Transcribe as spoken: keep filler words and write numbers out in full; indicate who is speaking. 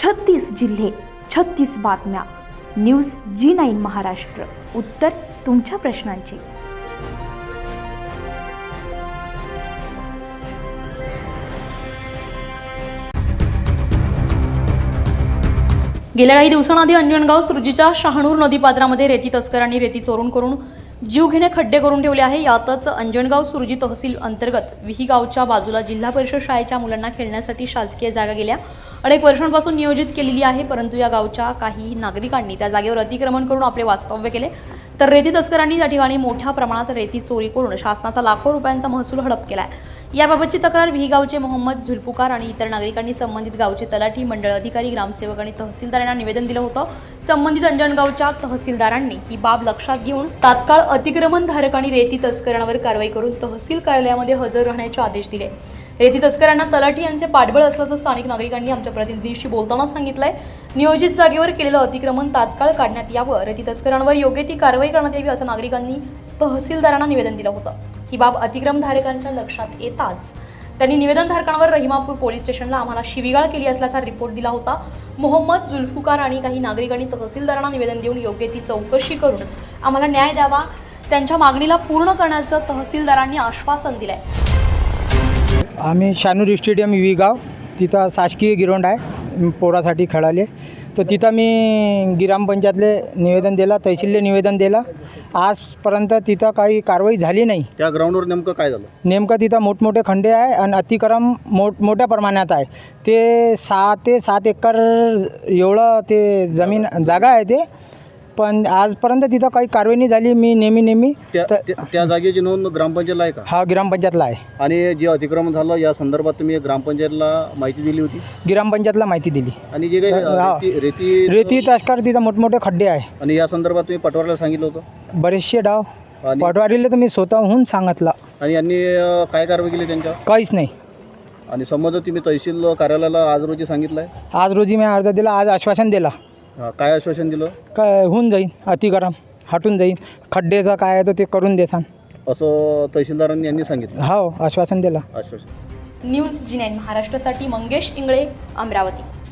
Speaker 1: छत्तीस जिल्हे, छत्तीस बातम्या. News G nine Maharashtra. उत्तर तुमच्या प्रश्नांची.
Speaker 2: गेल्या काही दिवसांआधी अंजनगाव सुरजीच्या शहानूर नदीपात्रामध्ये रेती तस्करांनी रेती चोरून करून जीवघेणे खड्डे करून ठेवले आहे. यातच अंजनगाव सुरजी तहसील अंतर्गत विही गावच्या बाजूला जिल्हा परिषद शाळेच्या मुलांना खेळण्यासाठी शासकीय जागा गेल्या अनेक वर्षांपासून नियोजित केलेली आहे, परंतु या गावच्या काही नागरिकांनी त्या जागेवर अतिक्रमण करून आपले वास्तव्य केले. तर रेती तस्करांनी या ठिकाणी मोठ्या प्रमाणात रेती चोरी करून शासनाचा लाखो रुपयांचा महसूल हडप केलाय. याबाबतची तक्रार विही गावचे मोहम्मद झुल्फुकार आणि इतर नागरिकांनी संबंधित गावचे तलाठी, मंडळ अधिकारी, ग्रामसेवक आणि तहसीलदारांना निवेदन दिलं होतं. संबंधित अंजनगावच्या तहसीलदारांनी ही बाब लक्षात घेऊन तात्काळ अतिक्रमण धारक आणि रेती तस्करांवर कारवाई करून तहसील कार्यालयामध्ये हजर राहण्याचे आदेश दिले. रेती तस्करांना तलाठी यांचे पाठबळ असल्याचं स्थानिक नागरिकांनी आमच्या प्रतिनिधीशी बोलताना सांगितलंय. नियोजित जागेवर केलेलं अतिक्रमण तात्काळ काढण्यात यावं, रेती तस्करांवर योग्य ती कारवाई करण्यात यावी असं नागरिकांनी तहसीलदारांना निवेदन दिलं होतं. ही बाब अतिक्रमणधारकांच्या लक्षात येताच त्यांनी निवेदनधारकांवर रहिमापूर पोलीस स्टेशनला आम्हाला शिवीगाळ केली असल्याचा रिपोर्ट दिला होता. मोहम्मद झुल्फुकार आणि काही नागरिकांनी तहसीलदारांना निवेदन देऊन योग्य ती चौकशी करून आम्हाला न्याय द्यावा, त्यांच्या मागणीला पूर्ण करण्याचं तहसीलदारांनी आश्वासन दिलंय.
Speaker 3: आम्ही शानूर स्टेडियम विही गाव, तिथं शासकीय गिराउंड आहे पोरासाठी खेळाले. तर तिथं मी ग्रामपंचायतले निवेदन दिलं, तहसीलले निवेदन दिलं. आजपर्यंत तिथं काही कारवाई झाली नाही.
Speaker 4: त्या ग्राउंडवर नेमकं काय झालं?
Speaker 3: नेमकं तिथं मोठमोठे खड्डे आहे आणि अतिक्रम मोठ मोठ्या प्रमाणात आहे. ते सहा ते सात एकर एवढं ते जमीन जागा आहे ते, पण आजपर्यंत तिथं काही कारवाई नाही झाली. मी नेहमी नेहमी
Speaker 4: त्या त्या- त्या जागेची नोंद ग्रामपंचायतला आहे का?
Speaker 3: हा ग्रामपंचायतला आहे.
Speaker 4: आणि जे अतिक्रमण झालं या संदर्भात तुम्ही ग्रामपंचायतला माहिती दिली होती?
Speaker 3: ग्रामपंचायतला माहिती दिली.
Speaker 4: आणि जे काही
Speaker 3: हा.
Speaker 4: रेती रेती
Speaker 3: रेती तस्कर तिथं मोठमोठे खड्डे आहे.
Speaker 4: आणि या संदर्भात तुम्ही पटवारीला सांगितलं होतं?
Speaker 3: बरेचसे डाव
Speaker 4: आणि
Speaker 3: पटवारीला तर मी स्वतःहून सांगितलं,
Speaker 4: आणि यांनी अं, काय कारवाई केली त्यांच्यावर?
Speaker 3: काहीच नाही.
Speaker 4: आणि संबंध तुम्ही तहसील कार्यालयाला आज रोजी सांगितलं आहे?
Speaker 3: आज रोजी मी अर्ज दिला, आज आश्वासन दिला
Speaker 4: हा, काय आश्वासन दिलं?
Speaker 3: काय होऊन जाईन, अतिक्रम हटून जाईन, खड्डेचं काय आहे तर ते करून देसान
Speaker 4: असं तहसीलदारांनी यांनी सांगितलं?
Speaker 3: हो, आश्वासन दिला.
Speaker 4: आश्वासन.
Speaker 2: न्यूज जी नाईन महाराष्ट्रासाठी मंगेश इंगळे, अमरावती.